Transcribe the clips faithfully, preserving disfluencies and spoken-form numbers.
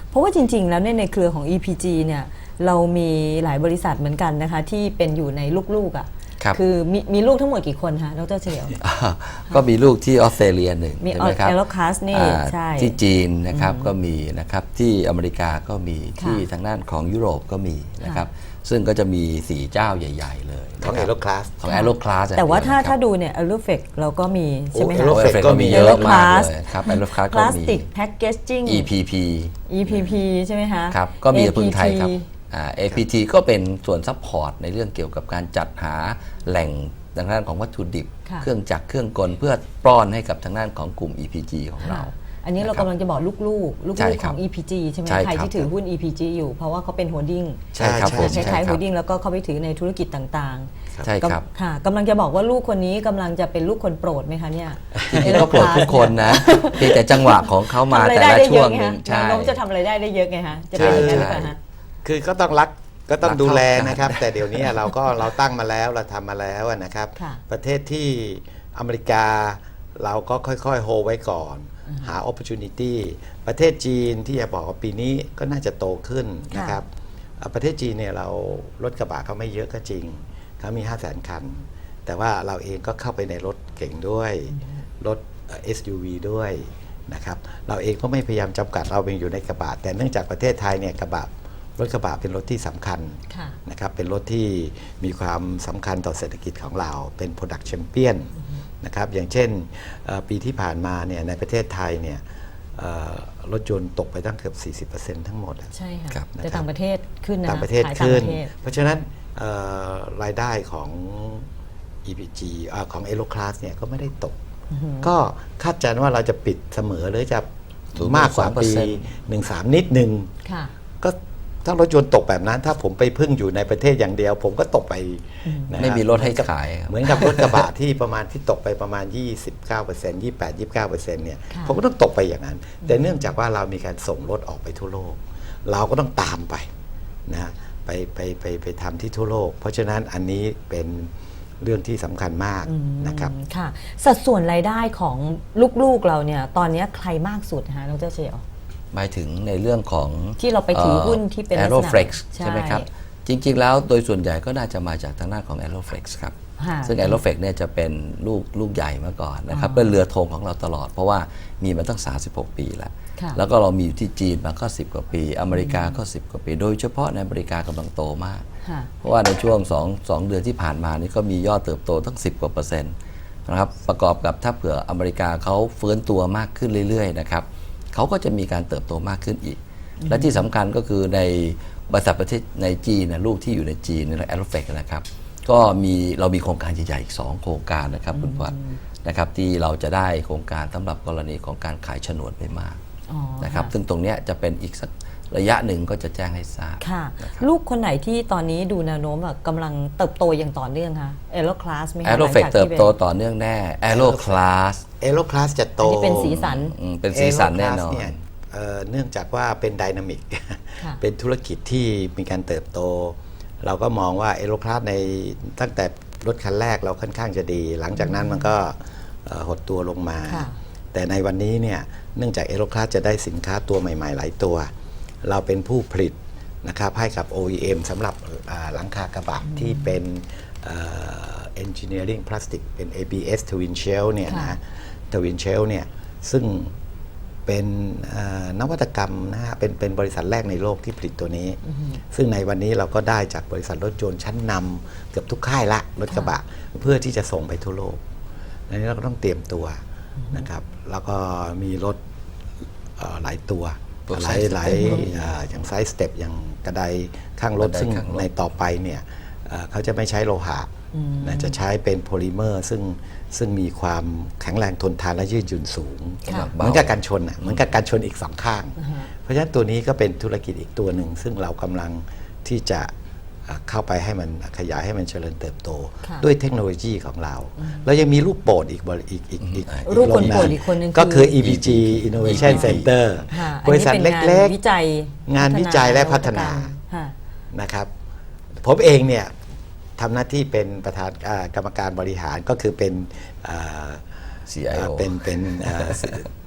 เพราะว่าจริงๆแล้วในเครือของ อี พี จี เนี่ยเรามีหลายบริษัทเหมือนกันนะคะที่เป็นอยู่ในลูกๆอ่ะคือมีมีลูกทั้งหมดกี่คนคะดร.เฉลียวก็มีลูกที่ออสเตรเลียหนึ่งมีใช่ไหมครับแอโรคลาสนี่ใช่ที่จีนนะครับก็มีนะครับที่อเมริกาก็มีที่ทางด้านของยุโรปก็มีนะครับซึ่งก็จะมีสี่เจ้าใหญ่ๆเลยของแอโรคลาสของแอโรคลาสแต่ว่าถ้าถ้าดูเนี่ยแอโรเฟกเราก็มีใช่ไหมคะแอโรเฟกก็มีเยอะมากเลยครับแอโรคลาสก็มีพลาสติกแพคเกจจิ้งอี พี พีอี พี พี ใช่ไหมคะครับก็มีพึ่งไทยครับ เอ พี ที ก็เป็นส่วนซัพพอร์ตในเรื่องเกี่ยวกับการจัดหาแหล่งทางด้านของวัตถุดิบเครื่องจักรเครื่องกลเพื่อป้อนให้กับทางด้านของกลุ่ม อี พี จี ของเราอันนี้เรากำลังจะบอกลูกๆลูกๆของ อี พี จี ใช่ไหมใครที่ถือหุ้น อี พี จี อยู่เพราะว่าเขาเป็นโฮลดิ้งใช่ครับคล้ายๆโฮลดิ้งแล้วก็เขาไปถือในธุรกิจต่างๆใช่ครับค่ะกำลังจะบอกว่าลูกคนนี้กำลังจะเป็นลูกคนโปรดไหมคะเนี่ยจริงๆก็โปรดทุกคนนะเพียงแต่จังหวะของเขามาแต่ละช่วงนึงใช่น้องจะทำอะไรได้ได้เยอะไงคะจะเป็นอย่างนั้นหรือเปล่าฮะคือก็ต้องรักก็ต้องดูแลนะครับแต่เดี๋ยวนี้เราก็เราตั้งมาแล้วเราทำมาแล้วนะครับประเทศที่อเมริกาเราก็ค่อยๆโฮไว้ก่อนหา opportunity ประเทศจีนที่จะบอกว่าปีนี้ก็น่าจะโตขึ้นนะครับประเทศจีนเนี่ยเรารถกระบะเขาไม่เยอะก็จริงเขามี ห้าแสน คันแต่ว่าเราเองก็เข้าไปในรถเก่งด้วยรถ เอส ยู วี ด้วยนะครับเราเองก็ไม่พยายามจำกัดเราเป็นอยู่ในกระบะแต่เนื่องจากประเทศไทยเนี่ยกระบะรถกระบะเป็นรถที่สำคัญนะครับเป็นรถที่มีความสำคัญต่อเศรษฐกิจของเราเป็น Product Champion นะครับอย่างเช่นปีที่ผ่านมาเนี่ยในประเทศไทยเนี่ยรถยนต์ตกไปตั้งเกือบ สี่สิบเปอร์เซ็นต์ ทั้งหมดใช่ค่ะแต่ต่างประเทศขึ้นนะต่างประเทศขึ้นเพราะฉะนั้นรายได้ของ อี พี จี ของ Aero Class เนี่ยก็ไม่ได้ตกก็คาดการณ์ว่าเราจะปิดเสมอหรือจะมากกว่าปี หนึ่งสาม นิดนึงก็ถ้ารถยนต์ตกแบบนั้นถ้าผมไปพึ่งอยู่ในประเทศอย่างเดียวผมก็ตกไปไม่มีรถให้ขายเหมือนกับรถกระบะที่ประมาณที่ตกไปประมาณ ยี่สิบเก้าเปอร์เซ็นต์ ยี่สิบแปด ยี่สิบเก้าเปอร์เซ็นต์ เนี่ยผมก็ต้องตกไปอย่างนั้นแต่เนื่องจากว่าเรามีการส่งรถออกไปทั่วโลกเราก็ต้องตามไปนะไปไปไปไปทำที่ทั่วโลกเพราะฉะนั้นอันนี้เป็นเรื่องที่สำคัญมากนะครับค่ะสัดส่วนรายได้ของลูกๆเราเนี่ยตอนนี้ใครมากสุดฮะดร.เฉลียวหมายถึงในเรื่องของที่เราไปถือหุ้นที่เป็น Aeroflex ใช่ไหมครับจริงๆแล้วโดยส่วนใหญ่ก็น่าจะมาจากทางด้านของ Aeroflex ครับซึ่ง Aeroflex เนี่ยจะเป็นลูกลูกใหญ่มาก่อนนะครับเป็นเรือธงของเราตลอดเพราะว่ามีมาตั้งสามสิบหกปีแล้วแล้วก็เรามีอยู่ที่จีนมาก็สิบกว่าปีอเมริกาก็สิบกว่าปีโดยเฉพาะในอเมริกากำลังโตมากเพราะว่าในช่วงสอง สองเดือนที่ผ่านมานี่ก็มียอดเติบโตตั้งสิบกว่าเปอร์เซ็นต์นะครับประกอบกับถ้าเผื่ออเมริกาเขาฟื้นตัวมากขึ้นเรื่อยๆนะครับเขาก็จะมีการเติบโตมากขึ้นอีกและที่สำคัญก็คือในบริษัทประเทศในจีนนะลูกที่อยู่ในจีนในแอโรเฟกนะครับก็มีเรามีโครงการใหญ่ๆอีกสองโครงการนะครับคุณพวัฒน์นะครับที่เราจะได้โครงการสำหรับกรณีของการขายโฉนดไปมากนะครับซึ่งตรงนี้จะเป็นอีกสักระยะหนึ่งก็จะแจ้งให้ทราบค่ะลูกคนไหนที่ตอนนี้ดูแนวโน้มแบบกำลังเติบโตอย่างต่อเนื่องคะเอโรคลาสไหมคะแอโรเฟกเติบโตต่อเนื่องแน่แอโรคลาสเอโรคลาสจะโตเป็นสีสันเป็นสีสันแน่นอนเนื่องจากว่าเป็นไดนามิกเป็นธุรกิจที่มีการเติบโตเราก็มองว่าเอโรคลาสในตั้งแต่รถคันแรกเราค่อนข้างจะดีหลังจากนั้นมันก็หดตัวลงมาแต่ในวันนี้เนี่ยเนื่องจากเอโรคลาสจะได้สินค้าตัวใหม่ๆหลายตัวเราเป็นผู้ผลิตนะครับให้กับ โอ อี เอ็ม สำหรับหลังคากระบะที่เป็น engineering plastic เป็น เอ บี เอส Twin Shell เนี่ยนะ Twin Shell เนี่ยซึ่งเป็นนวัตกรรมนะฮะเป็นเป็นบริษัทแรกในโลกที่ผลิตตัวนี้ซึ่งในวันนี้เราก็ได้จากบริษัทรถยนต์ชั้นนำเกือบทุกค่ายละรถกระบะเพื่อที่จะส่งไปทั่วโลกดังนั้นเราก็ต้องเตรียมตัวนะครับแล้วก็มีรถหลายตัวหลายหลายอย่างไซส์สเต็ปอย่างกระไดข้างรถซึ่งในต่อไปเนี่ยเขาจะไม่ใช้โลหะจะใช้เป็นโพลิเมอร์ซึ่งซึ่งมีความแข็งแรงทนทานและยืดหยุ่นสูงเหมือนกับการชนเหมือนกับการชนอีกสองข้างเพราะฉะนั้นตัวนี้ก็เป็นธุรกิจอีกตัวหนึ่งซึ่งเรากำลังที่จะเข้าไปให้มันขยายให้มันเจริญเติบโตด้วยเทคโนโลยีของเราเรายังมีลูกโป่งอีกอีกอีกอีกลูกคนโปรดอีกคนนึงก็คือ อี พี จี Innovation Center บริษัทเล็กๆงานวิจัยและพัฒนานะครับผมเองเนี่ยทำหน้าที่เป็นประธานกรรมการบริหารก็คือเป็นซี ไอ โอเป็นเป็น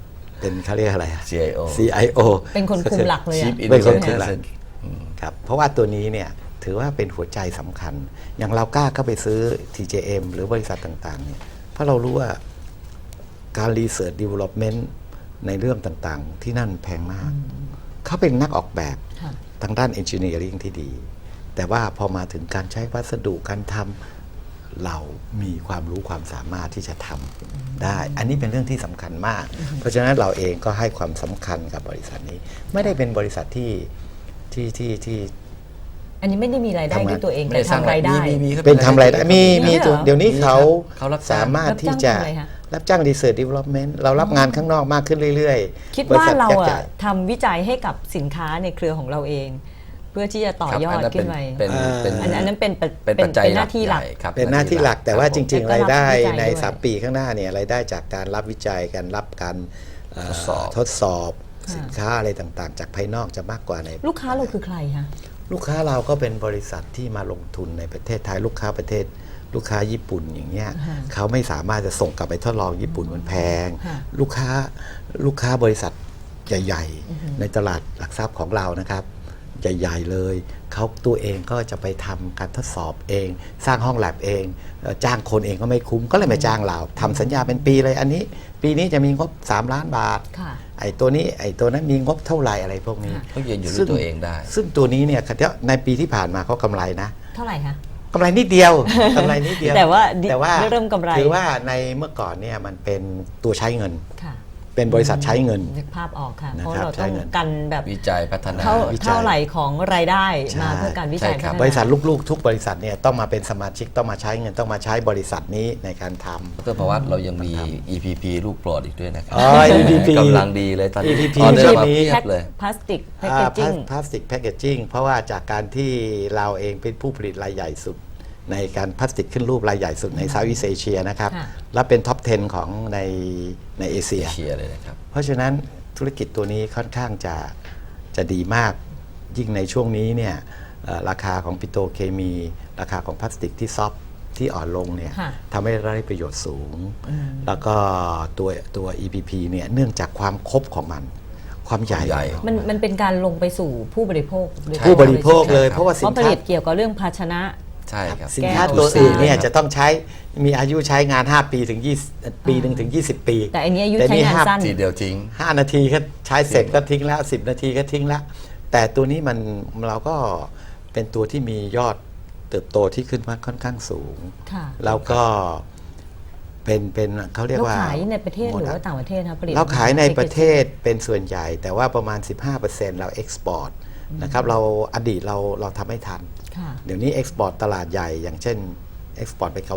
เป็นเขาเรียกอะไรอะซี ไอ โอซี ไอ โอเป็นคนคุมหลักเลยชีอะฟอินเป็นคนเทคุลมหลักเจนครับเพราะว่าตัวนี้เนี่ยถือว่าเป็นหัวใจสำคัญ อย่างเรากล้าเข้าไปซื้อ ที เจ เอ็ม หรือบริษัทต่างๆเนี่ยเพราะเรารู้ว่าการ Research Development ในเรื่องต่างๆ ที่นั่นแพงมาก เขาเป็นนักออกแบบค่ะทางด้าน Engineering ที่ดี แต่ว่าพอมาถึงการใช้วัสดุการทำเรามีความรู้ความสามารถที่จะทำได้ อันนี้เป็นเรื่องที่สำคัญมาก เพราะฉะนั้นเราเองก็ให้ความสำคัญกับบริษัทนี้ ไม่ได้เป็นบริษัทที่ที่ที่ที่อันนี้ไม่ได้มีรายได้ทำงานด้วยตัวเองไม่แต่ได้สร้างทำรายได้มีมีครับเป็นทำรายได้มีมีเหรอตัวเดี๋ยวนี้เขาเขารับจ้างสามารถที่จะรับจ้างทำอะไรคะรับจ้าง Research Development เรารับงานข้างนอกมากขึ้นเรื่อยๆคิดว่าเราบษัทอะใหญ่ทำวิจัยให้กับสินค้าในเครือของเราเอง เพื่อที่จะต่อยอดขึ้นไปเป็นเป็นอันอันนั้นเป็นปะเป็นปัจจัยเป็นหน้าที่หลักใญ่ครับเป็นหน้าที่หลักแต่ว่าจริงแล้วก็ๆ รายได้รับวิจัยในด้วยสามปีข้างหน้าเนี่ยรายได้จากการรับวิจัยการรับการเอ่อทดสอบทดสอบสินค้าอะไรต่างๆ จากภายนอกจะมากกว่าในลูกค้าเราคือใครคะลูกค้าเราก็เป็นบริษัทที่มาลงทุนในประเทศไทยลูกค้าประเทศ ลูกค้าญี่ปุ่นอย่างเงี้ยค่ะเขาไม่สามารถจะส่งกลับไปทดลองญี่ปุ่นมันแพงค่ะลูกค้าลูกค้าบริษัทใหญ่ๆ ในตลาดหลักทรัพย์ของเรานะครับ ใหญ่ๆเลยเขาตัวเองก็จะไปทำการทดสอบเอง สร้างห้องแลบเองเอ่อจ้างคนเองก็ไม่คุ้มก็เลยมาจ้างเราทำสัญญาเป็นปีเลยอันนี้ ปีนี้จะมีงบสามล้านบาทค่ะไอ้ตัวนี้ไอ้ตัวนั้นมีงบเท่าไหร่อะไรพวกนี้เขายืนอยู่ด้วยตัวเองได้ซึ่งตัวนี้เนี่ยในปีที่ผ่านมาเขากำไรนะเท่าไหร่คะกำไรนิดเดียว กำไรนิดเดียวแต่ว่าดิแต่ว่าเริ่มกำไรถือว่าในเมื่อก่อนเนี่ยมันเป็นตัวใช้เงินค่ะเป็นบริษัทใช้เงินนึกภาพออกค่ะนะเพราะครับเราใช้ต้องเงินกันแบบวิจัยพัฒนาเท่าวิจัยเท่าไหร่ของรายได้ใช่มาเพื่อการวิจัยใช่ครับพัฒนาบริษัทลูกๆ ทุกบริษัทเนี่ยต้องมาเป็นสมาชิกต้องมาใช้เงินต้องมาใช้บริษัทนี้ในการทำดรภวัตเรายังมี อี พี พี ลูกโปรดอีกด้วยนะครัอ๋อ อี พี พีกำลังดีเลยตอนนี้อี พี พีออเดอช่วร์งมานี้เพียบเลยพลาสติกแพคอ่าเกจิ้งพลาสติกแพคเกจิ้งเพราะว่าจากการที่เราเองเป็นผู้ผลิตรายใหญ่สุด ในการพลาสติกขึ้นรูปรายใหญ่สุดในเซาท์อีสเอเชียนะครับค่ะและเป็นท็อปสิบของในในเอเชียเชียร์เลยนะครับเพราะฉะนั้นธุรกิจตัวนี้ค่อนข้างจะจะดีมาก ยิ่งในช่วงนี้เนี่ยเอ่อราคาของปิโตรเคมี ราคาของพลาสติกที่ซอฟต์ที่อ่อนลงเนี่ยค่ะทำให้ได้ประโยชน์สูง แล้วก็ตัวตัว อี พี พี เนี่ยเนื่องจากความครบของมัน ความใหญ่ใหญ่มันมันเป็นการลงไปสู่ผู้บริโภคโดยตรงผู้บริโภคเลยใช่ครับเพราะว่าเพสินราะผค้าลิตเกี่ยวกับเรื่องภาชนะใช่ครับสินค้าแก้วตัวอื่นเนี่ยใช่จะต้องใช้มีอายุใช้งาน ห้า ปีถึงยี่สิบปีหนึ่งถึงยี่สิบปีแต่อันนี้อายุแต่ใช้งานห้สั้นทีเดียวทิ้งห้านาทีก็ใช้เสร็จก็ทิ้งแล้วสิบนาทีก็ทิ้งแล้ว แต่ตัวนี้มันเราก็เป็นตัวที่มียอดเติบโตที่ขึ้นมาค่อนข้างสูงค่ะแล้วก็เป็นเป็นเขาเรียกเราว่าขายในประเทศหรือว่าโมดะต่างประเทศครับผลิตเราขายในประเทศเป็นส่วนใหญ่ แต่ว่าประมาณ สิบห้าเปอร์เซ็นต์ เราเอ็กซ์พอร์ตนะครับเราอดีตเราเราทำไม่ทันค่ะเดี๋ยวนี้เอ็กซ์พอร์ตตลาดใหญ่ อย่างเช่นเอ็กซ์พอร์ตไปเกา